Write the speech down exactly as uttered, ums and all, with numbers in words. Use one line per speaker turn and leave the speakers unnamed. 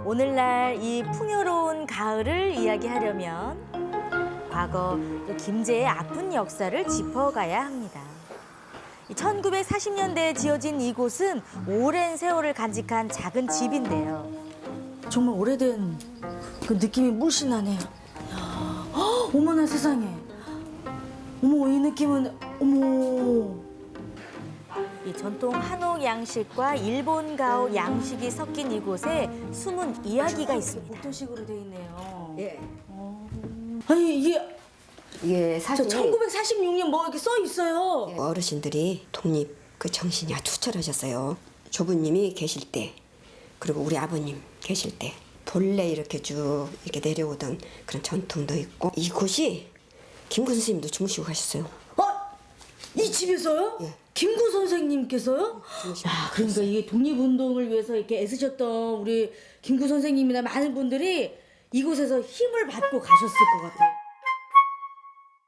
오늘날 이 풍요로운 가을을 이야기하려면 과거 또 김제의 아픈 역사를 짚어가야 합니다. 천구백사십 년대에 지어진 이곳은 오랜 세월을 간직한 작은 집인데요. 정말 오래된 그 느낌이 물씬 나네요. 헉, 어머나 세상에. 어머, 이 느낌은 어머. 이 전통 한옥 양식과 일본 가옥 양식이 섞인 이곳에 숨은 이야기가 있습니다. 복도식으로 돼 있네요.
예.
어. 아니 이게
이게 사실
천구백사십육 년 뭐 이렇게 써 있어요.
어르신들이 독립 그 정신이 아주 투철하셨어요. 조부님이 계실 때 그리고 우리 아버님 계실 때 본래 이렇게 쭉 이렇게 내려오던 그런 전통도 있고 이곳이 김구 선생님도 주무시고 가셨어요.
어? 이 집에서요?
예.
김구 선생님께서요?
주무시고
야, 그러니까 이게 독립운동을 위해서 이렇게 애쓰셨던 우리 김구 선생님이나 많은 분들이 이곳에서 힘을 받고 가셨을 것 같아요.